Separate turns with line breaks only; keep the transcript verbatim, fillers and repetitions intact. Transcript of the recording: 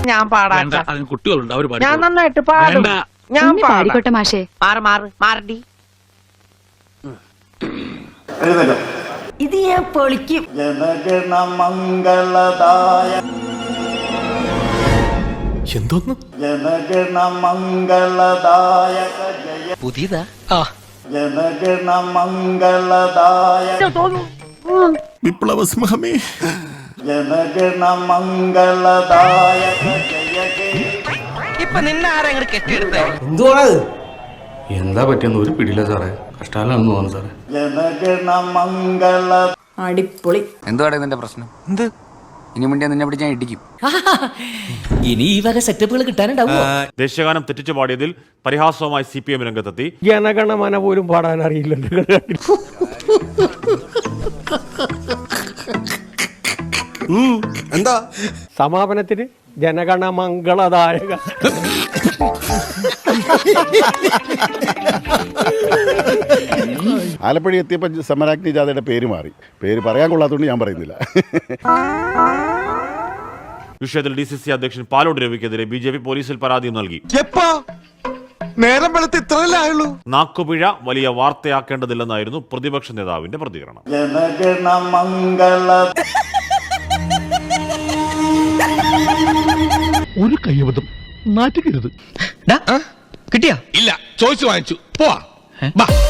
ഞാൻ പാടാം.
കുട്ടികളുണ്ട്, അവർ
ഞാൻ നന്നായിട്ട് പാടും. ഞാൻ
പാടിക്കോട്ടെ മാഷേ.
മാറ് മാറ് മാറടി. ഇത് ഞാൻ പൊളിക്കും.
ജനഗണ മംഗളദായ
എന്തോന്ന്
ജനഗണ മംഗളദായക ജയ
പുതിയതാ.
ജനഗണ മംഗളദായ
വിപ്ലവ സിംഹമേ.
ജനഗണ മംഗളദായക ജയ ഹേ.
ഇപ്പൊ നിന്നെ ആരെങ്കിലും കെട്ടിയെടുത്തേ?
എന്തുവാണത്? എന്താ പറ്റിയെന്ന് ഒരു പിടിയില്ല സാറേ. കഷ്ടാലാണെന്ന് തോന്നുന്നു സാറേ.
ജനഗണ മംഗള
അടിപൊളി.
എന്തുവാടെ നിന്റെ പ്രശ്നം? എന്ത് ഇനി മുന്നേ നിന്നെ പിടിച്ച് ഞാൻ ഇടിക്കും.
ഇനി ഈ വക സെറ്റപ്പുകൾ കിട്ടാനുണ്ടാവും.
ദേശീയഗാനം തെറ്റിച്ചു പാടിയതിൽ പരിഹാസവുമായി സി പി എം രംഗത്തെത്തി.
ജനഗണമന പോലും പാടാൻ അറിയില്ലല്ലോ.
എന്താ
സമാപനത്തിന് ജനഗണ മംഗളദായക.
ആലപ്പുഴ എത്തിയപ്പോൾ സമരാഗ്നി ജാഥയുടെ പേര് മാറി. പേര് പറയാൻ കൊള്ളാത്തതുകൊണ്ട് ഞാൻ പറയുന്നില്ല.
വിഷയത്തിൽ ഡി സി സി അധ്യക്ഷൻ പാലോട് രവിക്കെതിരെ ബി ജെ പി പോലീസിൽ പരാതിയും നൽകി.
നേരം വെളുത്ത് ഇത്രയല്ലായുള്ളൂ.
നാക്കുപിഴ വലിയ വാർത്തയാക്കേണ്ടതില്ലെന്നായിരുന്നു പ്രതിപക്ഷ നേതാവിന്റെ പ്രതികരണം.
ജനഗണ മംഗള
ഒരു കയ്യബദ്ധം നാറ്റുകരുത്.
കിട്ടിയാ?
ഇല്ല, ചോദിച്ചു വാങ്ങിച്ചു. പോവാ.